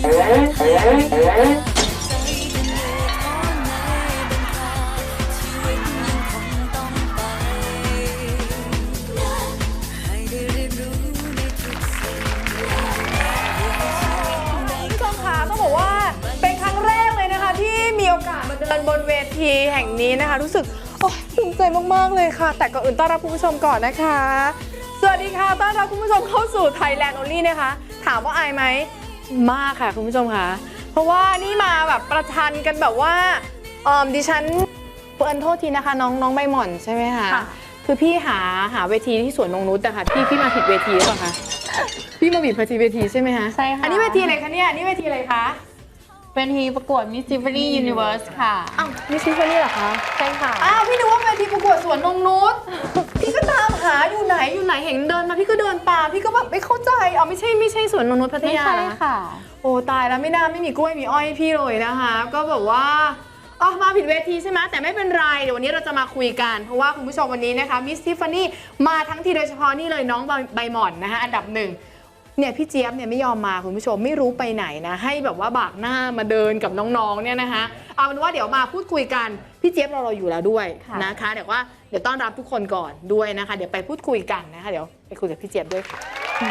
เดินบนเวทีแห่งนี้นะคะรู้สึกภูมิใจมากๆเลยค่ะแต่ก่อนอื่นต้อนรับคุณผู้ชมก่อนนะคะสวัสดีค่ะต้อนรับคุณผู้ชมเข้าสู่ Thailand Only นะคะถามว่าอายไหมมากค่ะคุณผู้ชมค่ะเพราะว่านี่มาแบบประชันกันแบบว่าดิฉันเปิดโทษทีนะคะน้องใบหม่อนใช่ไหมคะคือพี่หาเวทีที่สวนนงนุชแต่ค่ะพี่มาผิดเวทีหรือเปล่าคะพี่มาผิดเวทีใช่ไหมคะใช่ค่ะอันนี้เวทีอะไรคะเนี่ยนี่เวทีอะไรคะเป็นทีประกวด Miss Tiffany Universe ค่ะอ้าวMiss Tiffany เหรอคะใช่ค่ะอ้าวพี่นึกว่าเวทีประกวดสวนนงนุชพี่ก็ตามหาอยู่ไหนเห็นเดินมาพี่ก็เดินตามพี่ก็แบบไม่เข้าใจไม่ใช่สวนนงนุชพัทยาไม่ใช่ค่ะโอ้ตายแล้วไม่มีกล้วยมีอ้อยพี่เลยนะคะก็แบบว่ามาผิดเวทีใช่ไหมแต่ไม่เป็นไรเดี๋ยววันนี้เราจะมาคุยกันเพราะว่าคุณผู้ชมวันนี้นะคะ Miss Tiffany มาทั้งทีโดยเฉพาะนี่เลยน้องใบหม่อนนะคะอันดับหนึ่งเนี่ยพี่เจี๊ยบเนี่ยไม่ยอมมาคุณผู้ชมไม่รู้ไปไหนนะให้แบบว่าบากหน้ามาเดินกับน้องๆเนี่ยนะคะเอาเป็นว่าเดี๋ยวมาพูดคุยกันพี่เจี๊ยบเราอยู่แล้วด้วยนะคะเดี๋ยวต้อนรับทุกคนก่อนด้วยนะคะเดี๋ยวไปพูดคุยกันนะคะเดี๋ยวไปคุยกับพี่เจี๊ยบด้วยค่ะ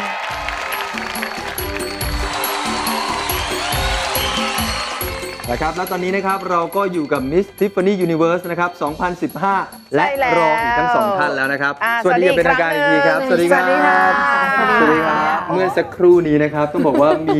นะครับและตอนนี้นะครับเราก็อยู่กับ Miss Tiffany Universe นะครับ 2015 และรองอีกทั้ง2 ท่านแล้วนะครับสวัสดีเป็นทางการอีกทีครับสวัสดีครับสวัสดีครับเมื่อสักครู่นี้นะครับต้องบอกว่ามี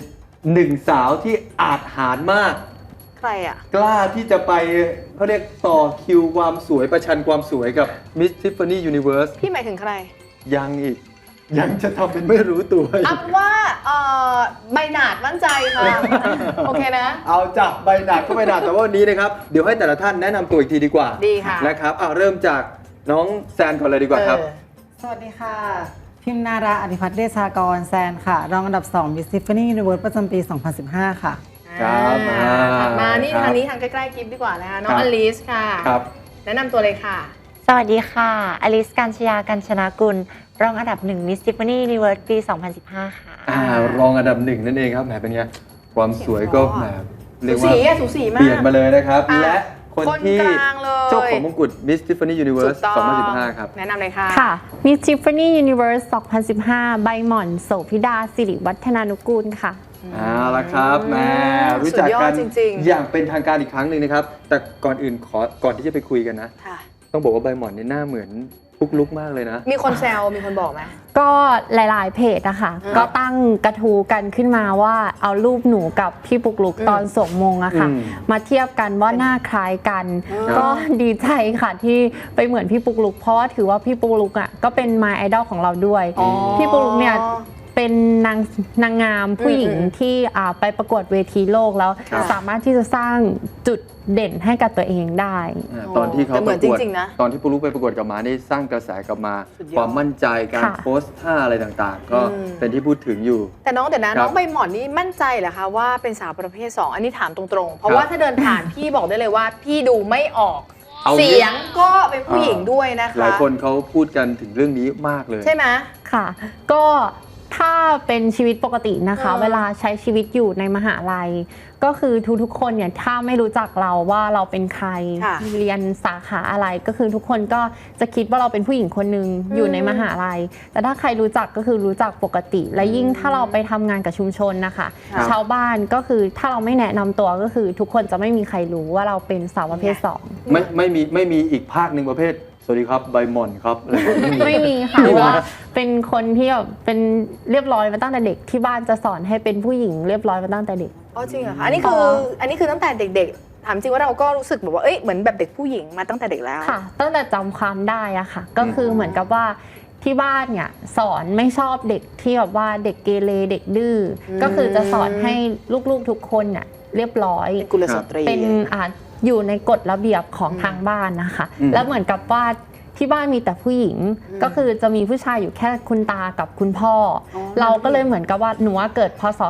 1 สาวที่อาจหาญมากใครอ่ะกล้าที่จะไปเขาเรียกต่อคิวความสวยประชันความสวยกับ Miss Tiffany Universe พี่หมายถึงใครยังจะทำเป็นไม่รู้ตัวเอาว่าใบหนาดมั่นใจค่ะโอเคนะเอาจับใบหนาดก็ใบหนาดแต่ว่าวันนี้นะครับเดี๋ยวให้แต่ละท่านแนะนำตัวอีกทีดีกว่าดีค่ะนะครับเริ่มจากน้องแซนก่อนเลยดีกว่าครับสวัสดีค่ะพิมนาราอธิพัฒน์เดชากรแซนค่ะรองอันดับ2 Miss Tiffany Universe ประจำปี 2015 ค่ะครับถัดมานี่ทางนี้ทางใกล้ๆกิฟต์ดีกว่านะคะน้องอลิสค่ะครับแนะนำตัวเลยค่ะสวัสดีค่ะอลิสกัญชยากัญชนากุลรองอันดับ1 Miss Tiffany Universe ปี 2015 ค่ะรองอันดับ1นั่นเองครับแหมเป็นไงความสวยก็แหมเรียกว่าสูสีมากเปลี่ยนมาเลยนะครับและคนที่กลางเลยเจ้าของมงกุฎ Miss Tiffany Universe 2015 ครับแนะนำเลยค่ะค่ะ Miss Tiffany Universe 2015 ใบหม่อนโสภิดาสิริวัฒนานุกูลค่ะเอาละครับแม่รู้จักกันอย่างเป็นทางการอีกครั้งหนึ่งนะครับแต่ก่อนอื่นก่อนที่จะไปคุยกันนะต้องบอกว่าใบหม่อนนี่หน้าเหมือนปุ๊กลุกมากเลยนะมีคนแซวมีคนบอกไหมก็หลายๆเพจนะคะก็ตั้งกระทู้กันขึ้นมาว่าเอารูปหนูกับพี่ปุกลุกตอนสวมมงอะค่ะมาเทียบกันว่าหน้าคล้ายกันก็ดีใจค่ะที่ไปเหมือนพี่ปุกลุกเพราะว่าถือว่าพี่ปุกลุกอะก็เป็นมายไอดอลของเราด้วยพี่ปุกลุกเนี่ยเป็นนางงามผู้หญิงที่ไปประกวดเวทีโลกแล้วสามารถที่จะสร้างจุดเด่นให้กับตัวเองได้ตอนที่เขาประกวดตอนที่ปุกลุกไปประกวดกับมาได้สร้างกระแสกลับมาความมั่นใจการโพสท่าอะไรต่างๆก็เป็นที่พูดถึงอยู่แต่น้องใบหม่อนนี่มั่นใจเหรอคะว่าเป็นสาวประเภท2อันนี้ถามตรงๆเพราะว่าถ้าเดินผ่านพี่บอกได้เลยว่าพี่ดูไม่ออกเสียงก็เป็นผู้หญิงด้วยนะคะหลายคนเขาพูดกันถึงเรื่องนี้มากเลยใช่ไหมค่ะก็ถ้าเป็นชีวิตปกตินะคะเวลาใช้ชีวิตอยู่ในมหาลัยก็คือทุกๆคนเนี่ยถ้าไม่รู้จักเราว่าเราเป็นใครเรียนสาขาอะไรก็คือทุกคนก็จะคิดว่าเราเป็นผู้หญิงคนหนึ่งอยู่ในมหาลัยแต่ถ้าใครรู้จักก็คือรู้จักปกติและยิ่งถ้าเราไปทำงานกับชุมชนนะคะชาวบ้านก็คือถ้าเราไม่แนะนำตัวก็คือทุกคนจะไม่มีใครรู้ว่าเราเป็นสาวประเภท2 ไม่มีอีกภาคหนึ่งประเภทสวัสดีครับใบหม่อนครับไม่มีค่ะว่าเป็นคนที่แบบเป็นเรียบร้อยมาตั้งแต่เด็กที่บ้านจะสอนให้เป็นผู้หญิงเรียบร้อยมาตั้งแต่เด็กอ๋อจริงเหรอคะอันนี้คือตั้งแต่เด็กๆถามจริงว่าเราก็รู้สึกแบบว่าเหมือนแบบเด็กผู้หญิงมาตั้งแต่เด็กแล้วค่ะตั้งแต่จำความได้อะค่ะก็คือเหมือนกับว่าที่บ้านเนี่ยสอนไม่ชอบเด็กที่แบบว่าเด็กเกเรเด็กดื้อก็คือจะสอนให้ลูกๆทุกคนเนี่ยเรียบร้อยกุลสตรีเป็นอยู่ในกฎระเบียบของทางบ้านนะคะแล้วเหมือนกับว่าทที่บ้านมีแต่ผู้หญิงก็คือจะมีผู้ชายอยู่แค่คุณตากับคุณพ่ออเราก็เลยเหมือนกับว่าหนูเกิดพศ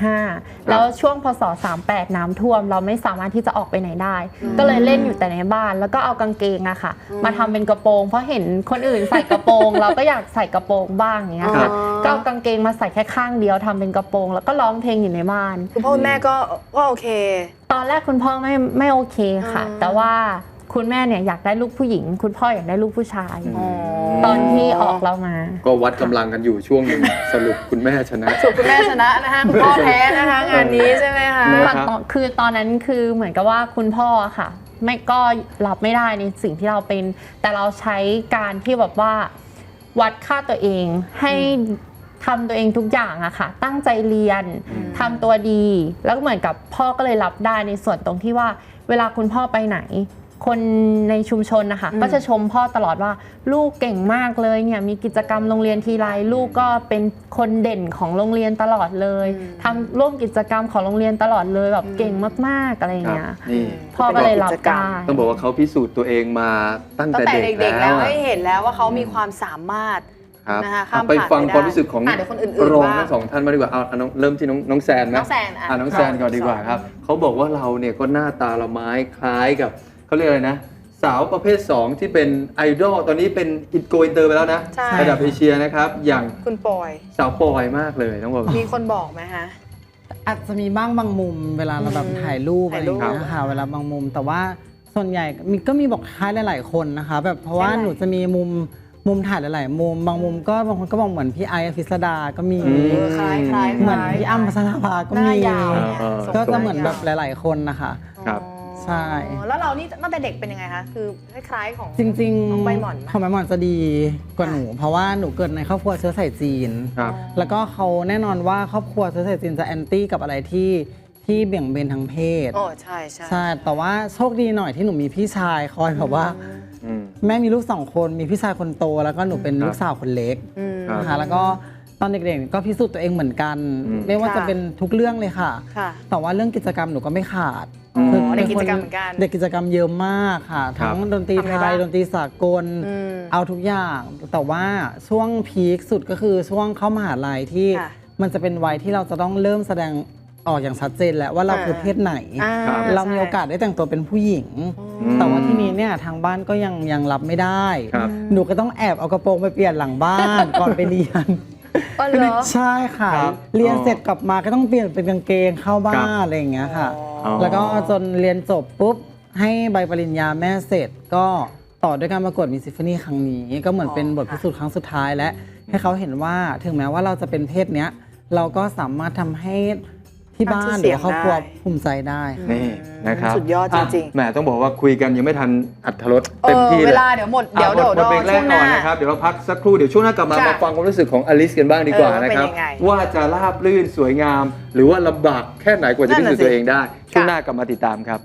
35แล้วช่วงพศ38น้ำท่วมเราไม่สามารถที่จะออกไปไหนได้ ก็เลยเล่นอยู่แต่ในบ้านแล้วก็เอากางเกงอะค่ะมาทำเป็นกระโปรงเพราะเห็นคนอื่นใส่กระโปรง เราก็อยากใส่กระโปรงบ้างอย่างเงี้ยค่ะก็เอากางเกงมาใส่แค่ข้างเดียวทำเป็นกระโปรงแล้วก็ร้องเพลงอยู่ในบ้านคุณพ่อคุณแม่ก็โอเคตอนแรกคุณพ่อไม่โอเคค่ะ แต่ว่าคุณแม่เนี่ยอยากได้ลูกผู้หญิง คุณพ่ออยากได้ลูกผู้ชาย ตอนที่ออกเรามาก็วัดกำลังกันอยู่ช่วงหนึ่ง สรุปคุณแม่ชนะสุดคุณแม่ชนะนะคะคุณพ่อแพ้นะคะงานนี้ใช่ไหมคะคือตอนนั้นคือเหมือนกับว่าคุณพ่อค่ะไม่ก็รับไม่ได้ในสิ่งที่เราเป็น แต่เราใช้การที่แบบว่าวัดค่าตัวเองให้ทำตัวเองทุกอย่างอะค่ะตั้งใจเรียนทำตัวดีแล้วเหมือนกับพ่อก็เลยรับได้ในส่วนตรงที่ว่าเวลาคุณพ่อไปไหนคนในชุมชนนะคะก็จะชมพ่อตลอดว่าลูกเก่งมากเลยเนี่ยมีกิจกรรมโรงเรียนทีไรลูกก็เป็นคนเด่นของโรงเรียนตลอดเลยทำร่วมกิจกรรมของโรงเรียนตลอดเลยแบบเก่งมากๆอะไรอย่างเงี้ยนี่พ่อก็เลยรับได้ต้องบอกว่าเขาพิสูจน์ตัวเองมาตั้งแต่เด็กๆแล้แล้ววให้เห็นแล้วว่าเขามีความสามารถครับนะคะข้ามไปผ่านฟังไม่ได้ความรู้สึกของเดี๋ยวคนอื่นๆรองบ้างทั้งสองท่านมาดีกว่าเอาน้องเริ่มที่น้องแซนไหมน้องแซนน้องแซนก่อนดีกว่าครับเขาบอกว่าเราเนี่ยก็หน้าตาละไม้คล้ายกับเขาเรียกอะไรนะสาวประเภท 2 ที่เป็นไอดอลตอนนี้เป็นอินโกอินเตอร์ไปแล้วนะใช่ระดับเอเชียนะครับอย่างคุณปอยสาวปอยมากเลยต้องบอกมีคนบอกไหมคะอาจจะมีบ้างบางมุมเวลาเราแบบถ่ายรูปอะไรอย่างเงี้ยค่ะเวลาบางมุมแต่ว่าส่วนใหญ่ก็มีบอกคล้ายหลายๆคนนะคะแบบเพราะว่าใช่หนูจะมีมุมถ่ายหลายๆมุมบางมุมก็บางคนก็บอกเหมือนพี่ไอซ์อภิสดาก็มีคล้ายๆเหมือนพี่อ้ำพัชราภาก็หน้ามียาวเนี่ยก็จะเหมือนแบบหลายๆคนนะคะครับใช่อ๋อแล้วเรานี่ตั้งแต่เด็กเป็นยังไงคะคือคล้ายๆของจริงน้องใบหม่อนไหมของใบหม่อนจะดีกว่าหนู เพราะว่าหนูเกิดในครอบครัวเชื้อสายจีนครับแล้วก็เขาแน่นอนว่าครอบครัวเชื้อสายจีนจะแอนตี้กับอะไรที่เบี่ยงเบนทางเพศโอ้ใช่ใช่ใช่แต่ว่าโชคดีหน่อยที่หนูมีพี่ชายคอยแบบว่าอืมแม่มีลูก2 คนมีพี่ชายคนโต แล้วก็หนูเป็นลูกสาวคนเล็กครับนะคะแล้วก็ตอนเด็กๆก็พิสูจน์ตัวเองเหมือนกัน ไม่ว่าจะเป็นทุกเรื่องเลยค่ะค่ะแต่ว่าเรื่องกิจกรรมหนูก็ไม่ขาดอ๋อคือเด็กป็กิคจกรรมเหมือนกันเด็กกิจกรรมเยอะมากค่ะ ทั้งดนตรีทำอะไรไทบ้าย งดนตรีสากลอืมเอาทุกอย่าง แต่ว่าช่วงพีคสุดก็คือช่วงเข้ามหาลัยที่ค่ะมันจะเป็นวัยที่เราจะต้องเริ่มแสดงออกอย่างชัดเจนแล้วว่าเราคือเพศไหนอ่าเรามีโอกาสได้แต่งตัวเป็นผู้หญิง แต่ว่าที่นี้เนี่ยทางบ้านก็ยังรับไม่ได้ครับหนูก็ต้องแอบเอากระโปรงไปเปลี่ยนหลังบ้าน ก่อนไปเรียนอ๋อเหรอใช่ค่ะครับเรียนเสร็จกลับมาก็ต้องเปลี่ยนเป็นกางเกงเข้าบ้าครันบอะไรอย่างเงี้ยค่ะอ๋อแล้วก็จนเรียนจบปุ๊บ ให้ใบปริญญาแม่เสร็จก็ต่อด้วยการประกวดมิสซิฟานี่ครั้งนี้ ก็เหมือนเป็นบทพิสูจน์ครั้งสุดท้ายและให้เขาเห็นว่าถึงแม้ว่าเราจะเป็นเพศเนี้ยเราก็สามารถทำให้ที่บ้านหรือว่าครอบครัวภูมิใจได้ค่ะนี่นะครับสุดยอดจริงๆแหมต้องบอกว่าคุยกันยังไม่ทันอัธรสเอเต็มอที่เวเลยลาเดี๋ยวหมดเดี๋ยวหมดเพลงแรช่วกงหก่น้าอนนะครับเดี๋ยวเราพักสักครู่เดี๋ยวช่วงหน้ากลับมาค่ะมาฟังความรู้สึกของอลิสกันบ้างดีกว่าว่าเป็นนะครับยังไงว่าจะราบลื่นสวยงาม หรือว่าลำบากแค่ไหนกว่าจะนั่พินสูน่ะจน์ตัวสิเองได้ ช่วงหน้ากลับมาติดตามครับ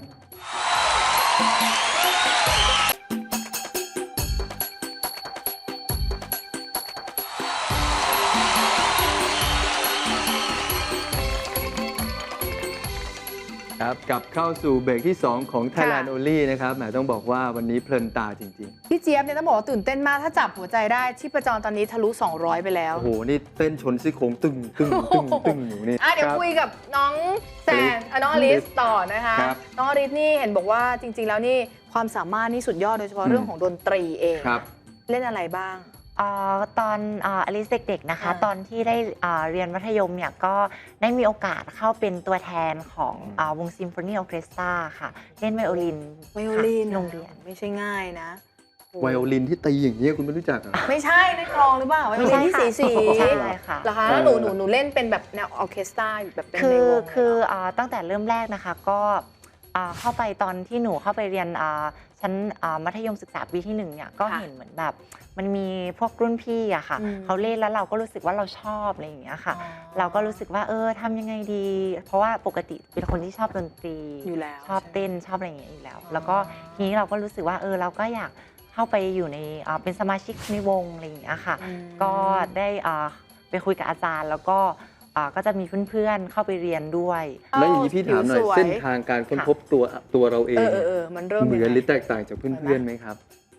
ครับกลับเข้าสู่เบรกที่ 2 ของ Thailand Only นะครับแหมต้องบอกว่าวันนี้เพลินตาจริงพี่เจี๊ยบเนี่ยต้องบอกว่าตื่นเต้นมากถ้าจับหัวใจได้ชีพจรตอนนี้ทะลุ 200 ไปแล้ๆวโอ้โห นี่เต้นชนซี่โครงตึงตึงตึงตึงอยู่นี่เดี๋ยวครับคุยกับน้องแซนน้องอลิสต่อนะคะครับน้องอลิสนี่เห็นบอกว่าจริง ๆ แล้วนี่ความสามารถนี่สุดยอดโดยเฉพาะเรื่องของดนตรีเองครับเล่นอะไรบ้างตอนอลิซเด็กๆนะคะอ่าตอนที่ได้เรียนมัธยมเนี่ยก็ได้มีโอกาสเข้าเป็นตัวแทนของวงซิมโฟนีออเคสตราค่ะ เล่นไวโอลินไวโอลินค่ะที่โรงเรียนไม่ใใช่ง่ายนะโอ้ไวโอลินที่ตีอย่างนี้ยคุณไม่รู้จักเหรอไม่ใช่ในกลองหรือเปล่าไวโอลินที่สีใช่ค่ะเหรอคะแล้วหนูเล่นเป็นแบบแนวออร์เคสตราแบบเป็นในวงคือตั้งแต่เริ่มแรกนะคะก็เข้าไปตอนที่หนูเข้าไปเรียนชั้นมัธยมศึกษาปีที่1เนี่ยก็เห็นเหมือนแบบมันมีพวกรุ่นพี่อะค่ะเขาเล่นแล้วเราก็รู้สึกว่าเราชอบอะไรอย่างเงี้ยค่ะ เราก็รู้สึกว่าทำยังไงดี เพราะว่าปกติเป็นคนที่ชอบดนตรีอยู่แล้วชอบเต้นชอบอะไรอย่างเงี้ยอยู่แล้ว แล้วก็ทีนี้เราก็รู้สึกว่าเราก็อยากเข้าไปอยู่ในเป็นสมาชิกในวงอะไรอย่างเงี้ยค่ะ ก็ได้ไปคุยกับอาจารย์แล้วก็จะมีเพื่อนๆเข้าไปเรียนด้วยแล้วอย่างนี้พี่ถามหน่อยผิวสวยเส้นทางการค้นพบตัวเราเองมันเริ่มเหมืยังอนไงหรือแตกต่างจากเพื่อนๆไหมครับ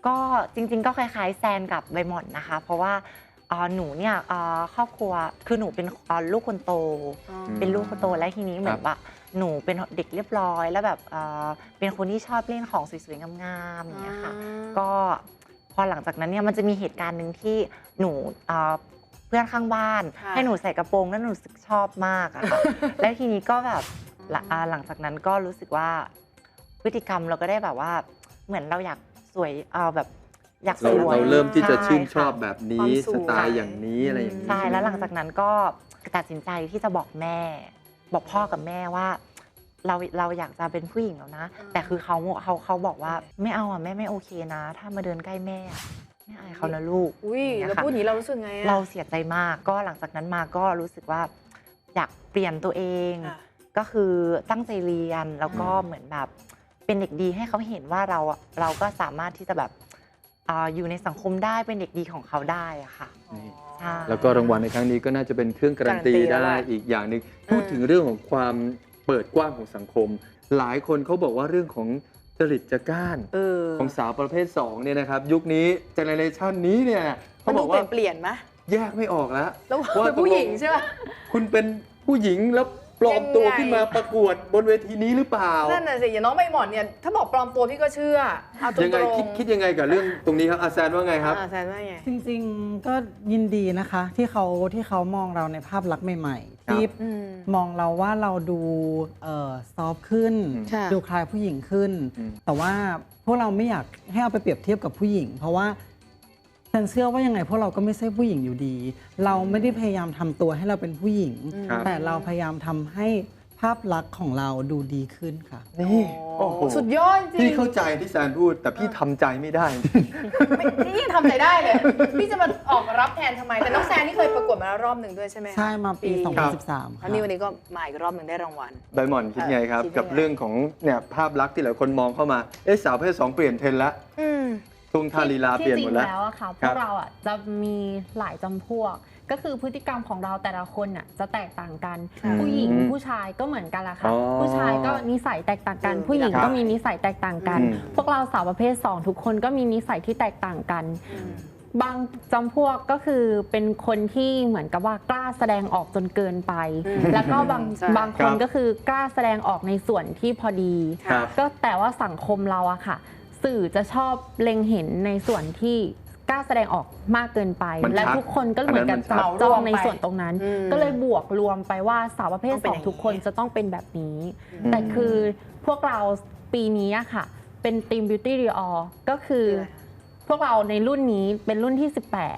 ก็จริงๆก็คล้ายๆแซนกับใบหม่อนนะคะ เพราะว่าหนูเนี่ยครอบครัวคือหนูเป็นลูกคนโต เป็นลูกคนโตและทีนี้เหมือนว่าหนูเป็นเด็กเรียบร้อยแล้วแบบเป็นคนที่ชอบเล่นของสวยๆงามๆอย่างเงี้ยค่ะก็พอหลังจากนั้นเนี่ยมันจะมีเหตุการณ์หนึ่งที่หนูเพื่อนข้างบ้านให้หนูใส่กระโปรงแล้วหนูรู้สึกชอบมากอะค่ะ แล้วทีนี้ก็แบบหลังจากนั้นก็รู้สึกว่าพฤติกรรมเราก็ได้แบบว่าเหมือนเราอยากสวยแบบอยากสวยเราเริ่มที่จะชื่นชอบใแบบนี้สไตล์อย่างนี้อะไรอย่างนี้ใช่แล้วหลังจากนั้นก็ตัดสินใจที่จะบอกแม่ บอกพ่อกับแม่ว่าเราอยากจะเป็นผู้หญิงแล้วนะ แต่คือเขาบอกว่าไม่เอาอ่ะแม่ไม่โอเคนะ ถ้ามาเดินใกล้แม่ไม่อายเขานะลูกอุ้ยแล้วพูดอย่างนี้เรารู้สึกไงอะเราเสียใจมากก็หลังจากนั้นมาก็รู้สึกว่าอยากเปลี่ยนตัวเอง ก็คือตั้งใจเรียนแล้วก็เหมือนแบบเป็นเด็กดีให้เขาเห็นว่าเราก็สามารถที่จะแบบอยู่ในสังคมได้เป็นเด็กดีของเขาได้อะค่ะนี่ใช่แล้วก็รางวัลในครั้งนี้ก็น่าจะเป็นเครื่องการันตีได้อีกอย่างหนึ่งพูดถึงเรื่องของความเปิดกว้างของสังคม หลายคนเขาบอกว่าเรื่องของจริตจักร้านของสาวประเภท2เนี่ยนะครับยุคนี้เจเนเรชันนี้เนี่ยมัเขานบดูอกเปลี่ว่ายนเปลี่ยนไหมแยกไม่ออกแล้วแล้วว่าเป็นผู้หญิงใช่ไหมคุณเป็นผู้หญิงแล้วปลอมตัวยังไงขึ้นมาประกวดบนเวทีนี้หรือเปล่านั่นน่ะสิอย่างน้องใบหมอนเนี่ยถ้าบอกปลอมตัวพี่ก็เชื่อเอาตรงยังไงๆคิดยังไงกับเรื่องตรงนี้ครับอาแซนว่าไงครับแซนว่าไงจริงๆก็ยินดีนะคะ ที่เขามองเราในภาพลักษณ์ใหม่ๆ ที่อืมมองเราว่าเราดูซอฟต์ขึ้นค่ะดูคล้ายผู้หญิงขึ้นอืมแต่ว่าพวกเราไม่อยากให้เอาไปเปรียบเทียบกับผู้หญิง เพราะว่าฉันเชื่อว่ายังไงพวกเราก็ไม่ใช่ผู้หญิงอยู่ดี เราไม่ได้พยายามทำตัวให้เราเป็นผู้หญิงครับแต่เราพยายามทำให้ภาพลักษณ์ของเราดูดีขึ้นค่ะนี่โอ้โหสุดยอดจริพี่งเข้าใจที่แซนพูด แต่พี่ทำใจไม่ได้นี่ยังทำใจได้เลย พี่จะมาออกรับแทนทำไม แต่น้องแซนนี่เคยประกวดมาแล้วรอบหนึ่งด้วยใช่ไหมคะใช่มาปีครับ 2013 แล้วนี่วันนี้ก็มาอีกรอบหนึ่งได้รางวัลใบหม่อนคิดไงครับคิดยังไงกับเรื่องของเนี่ยภาพลักษณ์ที่หลายคนมองเข้ามาสาวประเพศ2เปลี่ยนเทรนด์ละอืมทุ่งท่าลีลาเปลี่ยนหมดแล้วที่จริงแล้วอะค่ะพครัวบกเราอะจะมีหลายจำพวก ก็คือพฤติกรรมของเราแต่ละคนอะจะแตกต่างกันอืมผู้หญิงผู้ชายก็เหมือนกันละค่ะอ๋อผู้ชายก็นิสัยแตกต่างกัน ผู้หญิงครับก็มีนิสัยแตกต่างกันอืมพวกเราสาวประเภท 2 ทุกคนก็มีนิสัยที่แตกต่างกัน บางจำพวกก็คือเป็นคนที่เหมือนกับว่ากล้าแสดงออกจนเกินไป แล้วก็ใช่บางคนก็คือกล้าแสดงออกในส่วนที่พอดีครับก็แต่ว่าสังคมเราอะค่ะ สื่อจะชอบเล็งเห็นในส่วนที่กล้าแสดงออกมากเกินไปมันชัดและทุกคนก็เหมือนกับอันนั้นมันชัจัดบจ้องในส่วนตรงนั้นอืมก็เลยบวกรวมไปว่าสาวประเภทต้องเป็นอย่างนี้ 2ทุกคนจะต้องเป็นแบบนี้อืมแต่คือพวกเราปีนี้อะค่ะ เป็นทีม Beauty Dior ก็คือพวกเราในรุ่นนี้เป็นรุ่นที่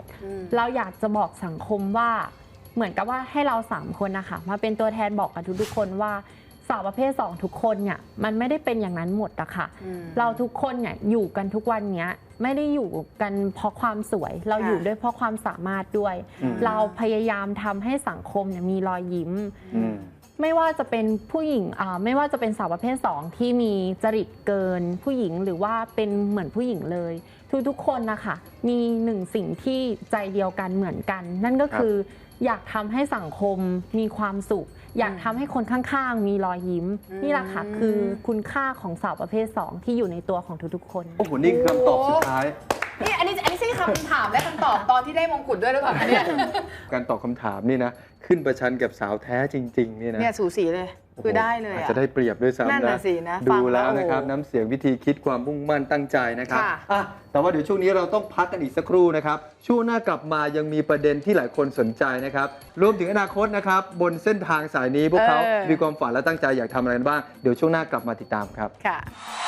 18 เราอยากจะบอกสังคมว่าเหมือนกับว่าให้เรา3คนนะคะมาเป็นตัวแทนบอกกับทุกๆคนว่าสาวประเภท 2 ทุกคนเนี่ยมันไม่ได้เป็นอย่างนั้นหมดอะค่ะ เราทุกคนเนี่ยอยู่กันทุกวันเนี้ยไม่ได้อยู่กันเพราะความสวย เราอยู่ด้วยเพราะความสามารถด้วยอืมเราพยายามทำให้สังคมเนี่ยมีรอยยิ้มอืมไม่ว่าจะเป็นผู้หญิงไม่ว่าจะเป็นสาวประเภท 2 ที่มีจริตเกินผู้หญิงหรือว่าเป็นเหมือนผู้หญิงเลยทุกๆคนนะคะมีหนึ่งสิ่งที่ใจเดียวกันเหมือนกัน นั่นก็คืออยากทำให้สังคมมีความสุข อยากทำให้คนข้างๆ มีรอยยิ้ม นี่แหละค่ะคือคุณค่าของสาวประเภท 2 ที่อยู่ในตัวของทุกๆคนโอ้โห นี่คือคำตอบสุดท้ายนี่อันนี้ใช่คำถามและคำตอบตอนที่ได้มงกุฎด้วยหรือเปล่าคะเนี่ยการตอบคำถามนี่นะ ขึ้นประชันกับสาวแท้จริง ๆ นี่นะเนี่ยสูสีเลยโอ้โหคือได้เลยอาจอะจะได้เปรียบด้วยนั่นซ้ำน่ะนะสินะดูฟังแล้วนะครับโอ้โหน้ำเสียงวิธีคิดความมุ่งมั่นตั้งใจนะครับค่ะอ่ะแต่ว่าเดี๋ยวช่วงนี้เราต้องพักกันอีกสักครู่นะครับ ช่วงหน้ากลับมายังมีประเด็นที่หลายคนสนใจนะครับ รวมถึงอนาคตนะครับ บนเส้นทางสายนี้พวกเขามีความฝันและตั้งใจอยากทำอะไรกันบ้าง เดี๋ยวช่วงหน้ากลับมาติดตามครับค่ะ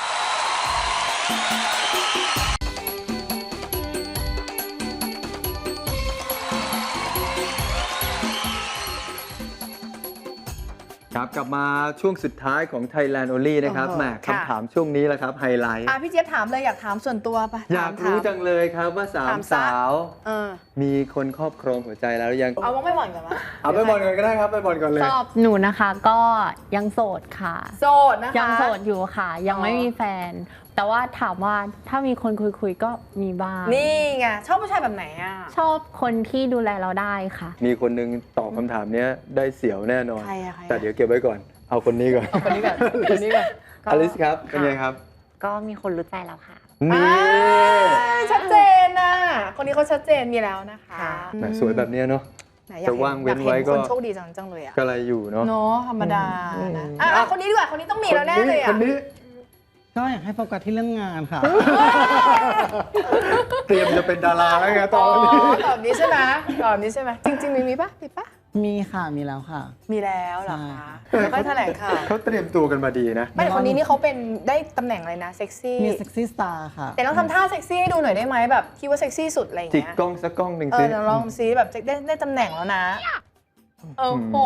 ครับกลับมาช่วงสุดท้ายของ Thailand Only นะครับโอ้โหแหมค่ะคำถามช่วงนี้แหละครับไฮไลท์พี่เจี๊ยบถามเลยอยากถามส่วนตัวปะอยากรู้จังเลยครับว่าสาถาม มซะสาวเออมีคนครอบครองหัวใจแล้วหรือยังเอาว่าไม่หวั่นกันวะเอาไปบอลก่อนก็ได้ครับไปบอลก่อนเลยสำหรับหนูนะคะก็ยังโสดค่ะโสดนะคะยังโสดอยู่ค่ะ ยังไม่อ๋อมีแฟน แต่ว่าถามว่าถ้ามีคนคุยก็มีบ้างนี่ไงชอบผู้ชายแบบไหนอ่ะชอบคนที่ดูแลเราได้ค่ะมีคนหนึงตอบคำถามเนี้ยได้เสียวแน่นอนใครอะใครอะแต่เดี๋ยวเก็บไว้ก่อน เอาคนนี้ก่อนคนนี้ก่อนคนนี้ก่อนก็อลิสครับ เป็นไงครับก็มีคนรู้ใจแล้วค่ะนี่ชัดเจนนะคนนี้เขาชัดเจนมีแล้วนะคะแหมสวยแบบเนี้ยเนาะไหนอยากแต่ว่างเว้นไว้ก็อยาห็คนโชคดีจังเลยอะก็อะไรอยู่เนาะเนาะธรรมดานะคนนี้ดีกว่าคนนี้ต้องมีแล้วแน่เลยอะคนนี้ก็อยากให้โฟกัสที่เรื่องงานค่ะเตรียมจะเป็นดาราแล้วไงตอ๋ออนนี้ตอบนี้ใช่ไหมตอบนี้ใช่ไหมจริงๆมีปะมีปะมีค่ะมีแล้วค่ะมีแล้วเหรอคะใช่แล้วก็แถลงข่าวเขาเตรียมตัวกันมาดีนะไม่แต่คนนี้นี่เขาเป็นได้ตำแหน่งอะไรนะเซ็กซี่มีเซ็กซี่สตาร์ค่ะแต่ลองทำท่าเซ็กซี่ให้ดูหน่อยได้ไหมแบบคิดว่าเซ็กซี่สุดอะไรอย่างจิกเงี้ยกล้องสักกล้องหนึ่งเอสิอเดี๋ยวลองซิแบบได้ตำแหน่งแล้วนะโอ้โห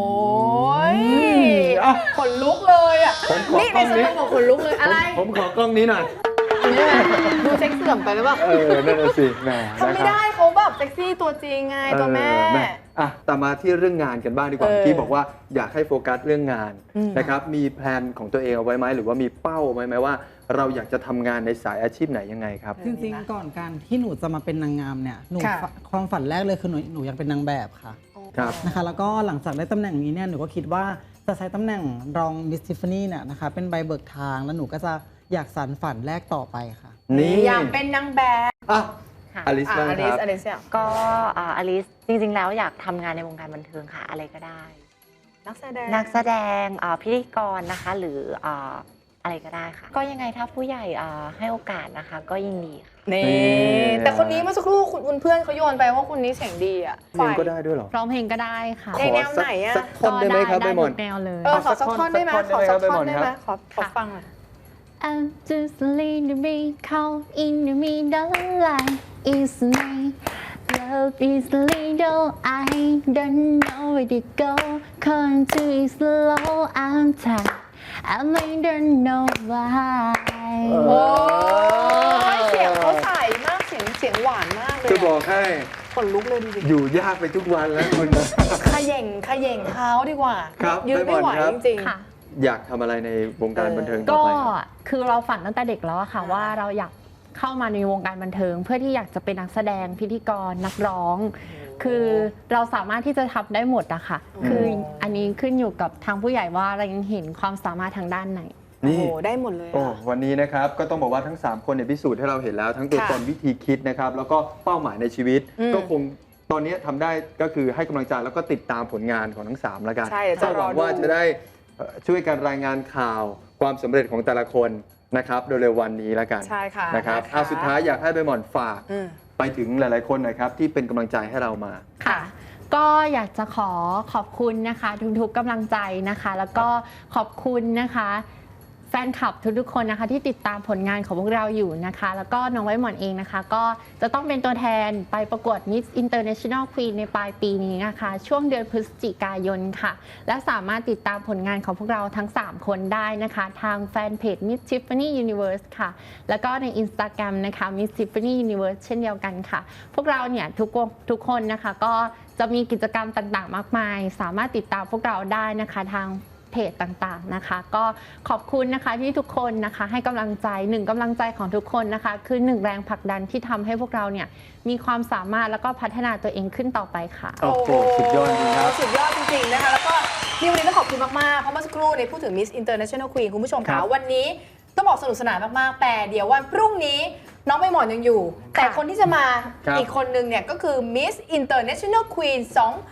ขนลุกเลยอ่ะผมขอนี่กในล้องสนี้มองขนลุกเลยอะไรผมขอกล้องนี้หน่อยดูเซ็กเสื่อมไปหรือเปล่านั่นน่ะสิแหมทำไม่ได้เขาแบบเซ็กซี่ตัวจริงไงตัวแม่อ่ะแต่มาที่เรื่องงานกันบ้างดีกว่า ที่บอกว่าอยากให้โฟกัสเรื่องงานอืมนะครับ มีแพลนของตัวเองเอาไว้ไหมหรือว่ามีเป้าไว้ไหมว่า เราอยากจะทำงานในสายอาชีพไหนยังไงครับจริงๆ ก่อนการที่หนูจะมาเป็นนางงามเนี่ยหนูค่ะความฝันแรกเลยคือหนูอยากเป็นนางแบบค่ะครับนะคะแล้วก็หลังจากได้ตำแหน่งนี้เนี่ยหนูก็คิดว่าจะใช้ตำแหน่งรองมิสทิฟฟานี่เนี่ยนะคะเป็นใบเบิกทางแล้วหนูก็จะอยากสานฝันแรกต่อไปค่ะนี่อยากเป็นนางแบบอ่ะค่ะอลิสบ้างอคลิสรับอลิสเนี่ยก็อลิสจริงๆแล้วอยากทำงานในวงการบันเทิงค่ะ อะไรก็ได้นักแสดงนักแสดงพิธีกรนะคะหรืออะไรก็ได้ค่ะ ก็ยังไงถ้าผู้ใหญ่ให้โอกาสนะคะ ก็ยินดีค่ะนี่นี่แต่คนนี้เมื่อสักครู่คุณเพื่อนเขาโยนไปว่าคนนี้เสียงดีอ่ะเรียนก็ได้ด้วยเหรอร้องเพลงก็ได้ค่ะในแนวไหนอะสักคนได้ไหมครับใบหมอนทุกแนวเลยขอสักท่อนได้ไหมสักขอท่สัอก นได้ไหมท่อนได้ไหมครับขอฟังหน่อย I'm just a little bit caught in the middle line. It's me. Love is little. I don't know where to go. Come to it slow. I'm tired. I don't know why. โอ้ยเสียงเขาใสมากเสียงหวานมากเลยจะบอกให้ขนลุกเลยดูดิอยู่ยากไปทุกวันแล้วคุณนะขย่งเท้าดีกว่าครับยืนไม่ไหวไปก่อนครับจริงค่ะอยากทำอะไรในวงการบันเทิงต่อก็ไปครับคือเราฝันตั้งแต่เด็กแล้วอะค่ะว่าเราอยากเข้ามาในวงการบันเทิง เพื่อที่อยากจะเป็นนักแสดงพิธีกรนักร้อง คือเราสามารถที่จะทำได้หมดอะค่ะ คืออันนี้ขึ้นอยู่กับทางผู้ใหญ่ว่าเรายังเห็นความสามารถทางด้านไหนๆ โอ้นี่โหได้หมดเลยอะโอ้วันนี้นะครับก็ต้องบอกว่าทั้ง 3 คนเนี่ยพิสูจน์ให้เราเห็นแล้วทั้งตัวค่ะตนวิธีคิดนะครับแล้วก็เป้าหมายในชีวิตอืมก็คงตอนนี้ทำได้ก็คือให้กำลังใจแล้วก็ติดตามผลงานของทั้ง 3 แล้วกันใช่เดี๋ยวจะก็หวังรอดูว่าจะได้ช่วยกันรายงานข่าวความสำเร็จของแต่ละคนนะครับโดยเร็ววันนี้แล้วกันใช่ค่ะนะครับสุดท้ายอยากให้ใบหม่อนฝากอืมไปถึงหลาย ๆ คนหนะครับที่เป็นกำลังใจให้เรามาค่ะ ก็อยากจะขอบคุณนะคะทุกๆกำลังใจนะคะ แล้วก็ขอบคุณนะคะแฟนคลับทุกๆคนนะคะที่ติดตามผลงานของพวกเราอยู่นะคะ แล้วก็น้องไว้หมอนเองนะคะ ก็จะต้องเป็นตัวแทนไปประกวด Miss International Queen ในปลายปีนี้นะคะ ช่วงเดือนพฤศจิกายนค่ะ และสามารถติดตามผลงานของพวกเราทั้ง 3 คนได้นะคะ ทางแฟนเพจ Miss Tiffany Universe ค่ะ แล้วก็ใน Instagram นะคะ Miss Tiffany Universe เช่นเดียวกันค่ะ พวกเราเนี่ยทุกคนนะคะก็จะมีกิจกรรมต่างๆ มากมาย สามารถติดตามพวกเราได้นะคะทางเพจต่างๆนะคะ ก็ขอบคุณนะคะที่ทุกคนนะคะให้กำลังใจ1กำลังใจของทุกคนนะคะ คือ1แรงผลักดันที่ทำให้พวกเราเนี่ยมีความสามารถแล้วก็พัฒนาตัวเองขึ้นต่อไปค่ะโอ้โหสุดยอดจริงครับสุดยอดจริงๆนะคะ แล้วก็นี่วันนี้ต้องขอบคุณมากๆ เพราะเมื่อสักครู่ในพูดถึง Miss International Queen คุณผู้ชมครัคะบวันนี้ต้องบอกสนุกสนานมากๆ แต่เดี๋ยววันพรุ่งนี้น้องใบหมอนยังอยู่ แต่คนที่จะมาครับอีกคนนึงเนี่ยก็คือ Miss International Queen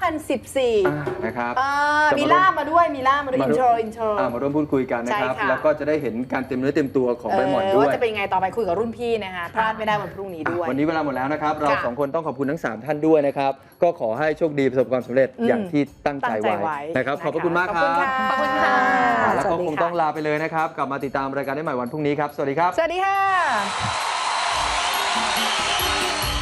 2014 นะครับมีล่ามมาด้วยอินโทรมาร่วมพูดคุยกันนะครับใช่ค่ะแล้วก็จะได้เห็นการเต็มเนื้อเต็มตัวของใบหมอนด้วว่าย จะเป็นยังไงต่อไปคุยกับรุ่นพี่นะคะพลาดไม่ได้วันพรุ่งนี้ด้วยวันนี้เวลาหมดแล้วนะครับ เราค่ะสองคนต้องขอบคุณทั้ง 3 ท่านด้วยนะครับ ก็ขอให้โชคดีประสบความสำเร็จอืมอย่างที่ตั้งใจตั้งใจไว้ไว้นะครับ ขอบพระคุณมากครับขอบคุณค่ะแล้วก็สวัสดีคงค่ะต้องลาไปเลยนะครับ กลับมาติดตามรายการได้ใหม่วันพรุ่งนี้ครับ สวัสดีครับสวัสดีค่ะ